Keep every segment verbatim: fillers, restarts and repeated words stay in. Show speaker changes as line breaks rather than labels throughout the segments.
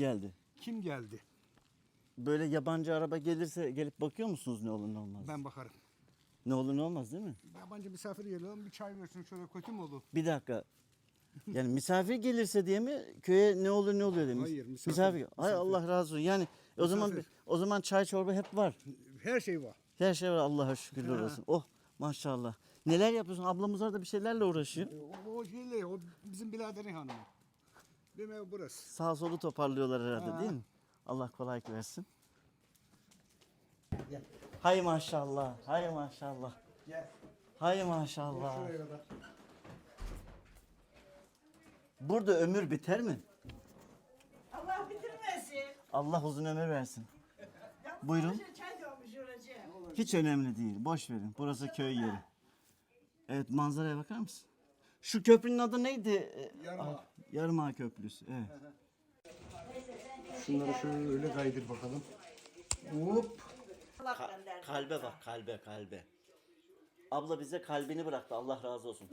geldi?
Kim geldi?
Böyle yabancı araba gelirse gelip bakıyor musunuz ne olur ne olmaz?
Ben bakarım.
Ne olur ne olmaz değil mi?
Yabancı misafir geliyor, bir çay versin şöyle, kötü mü olur?
Bir dakika. Yani misafir gelirse diye mi köye ne olur ne oluyor demiş.
Hayır, misafir-
Misafir. Hay
misafir.
Allah razı olsun. Yani o zaman
Misafir.
o zaman çay çorba hep var.
Her şey var.
Her şey var Allah'a şükürler
Ha.
olsun. Oh maşallah. Neler yapıyorsun? Ablamız orada bir şeylerle uğraşıyor.
O, o şeyle, o bizim biraderin hanımı. Benim ev burası.
Sağ solu toparlıyorlar herhalde
Ha.
değil mi? Allah kolaylık versin.
Gel.
Hay maşallah. Hay maşallah.
Gel.
Hay maşallah.
Şuraya kadar.
Burada ömür biter mi?
Allah bitirmesin.
Allah uzun ömür versin.
Ya,
Buyurun.
boşa Çay dolmuş oracı.
Hiç önemli değil. Boş verin. Burası köy yeri. Evet manzaraya bakar mısın? Şu köprünün adı neydi? Ee,
Yarımağa.
ah, Yarımağa Köprüsü. Evet.
Şunları şöyle kaydır bakalım. Hop.
Allah gönderdi.
Kalbe bak kalbe kalbe. Abla bize kalbini bıraktı. Allah razı olsun.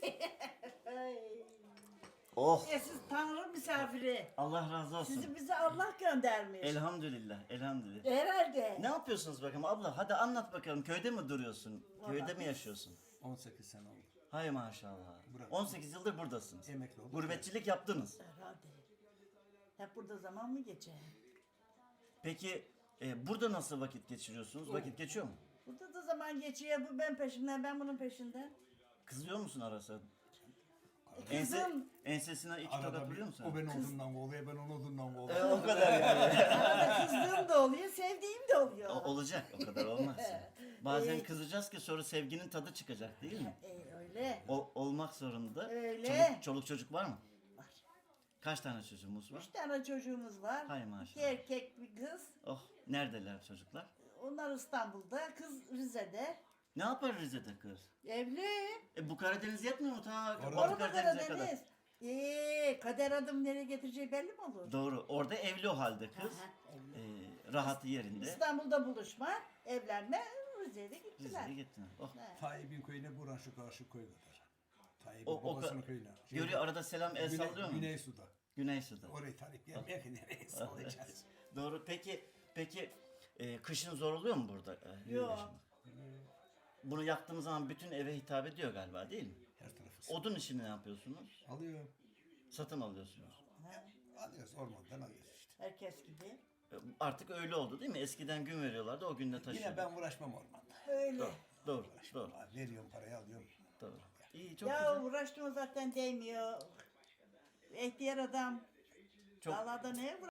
Oh.
E siz Tanrı misafiri.
Allah razı olsun.
Sizi bize Allah göndermiş.
Elhamdülillah. Elhamdülillah.
Herhalde.
Ne yapıyorsunuz bakalım abla? Hadi anlat bakalım. Köyde mi duruyorsun? Köyde mi yaşıyorsun?
on sekiz sene oldu.
Hay maşallah.
Bırak.
on sekiz yıldır buradasınız.
Emekli oldum.
Gurbetçilik yaptınız.
Herhalde. Hep burada zaman mı geçer?
Peki e, burada nasıl vakit geçiriyorsunuz? Vakit geçiyor mu?
Burada da zaman geçiyor. Bu ben peşimden, ben bunun peşinden.
Kızıyor musun arası?
Kızım.
Ense, ensesine iki tokat vuruyor musun?
O beni odundan kovuyor, ben onu odundan
E,
kovuyorum.
o kadar yani.
Arada kızdığım da oluyor, sevdiğim de oluyor.
O- olacak o kadar olmaz. Bazen kızacağız ki sonra sevginin tadı çıkacak değil mi?
E, öyle.
O olmak zorunda.
Öyle.
Çoluk, çoluk çocuk var mı?
Var.
Kaç tane çocuğumuz var?
Üç tane çocuğumuz var.
Hay maşallah.
İki erkek bir kız.
Oh neredeler çocuklar?
Onlar İstanbul'da, kız Rize'de.
Ne yapar Rize'de kız?
Evli.
E bu Karadeniz yetmiyor mu ta
Orada-
Batı
Orada
Karadeniz'e kadar?
Karadeniz. Eee kader adım nereye getireceği belli mi olur?
Doğru. Orada evli o halde kız.
Aha,
E, rahatı yerinde.
İstanbul'da buluşma, evlenme, Rize'de gittiler.
Rize'ye gittin. Oh.
Tayyip'in köyüne buran şu karşı köy kadar. Tayyip'in
O, o
babasının
ka-
köyüne.
Görüyor arada selam el
Güney,
sallıyor mu?
Güney Su'da.
Güney Su'da.
Orayı Tayyip gelmeye ki nereye sallayacağız?
Doğru. Peki peki e, kışın zor oluyor mu burada? E,
Yok.
yaşamak? Bunu yaptığımız zaman bütün eve hitap ediyor galiba değil mi?
Her tarafı.
Odun işini ne yapıyorsunuz?
Alıyor.
Satın alıyorsunuz.
Alıyoruz, ormandan alıyoruz işte.
Herkes gibi.
E, Artık öyle oldu değil mi? Eskiden gün veriyorlardı o günde taşıyordu.
Yine ben uğraşmam ormanda.
Öyle.
Doğru. Doğru.
Uğraşmam. Veriyorum parayı alıyorum.
Doğru. İyi çok
Ya
güzel.
uğraştığımız zaten değmiyor. İhtiyar adam.
Çok
Dağlarda neye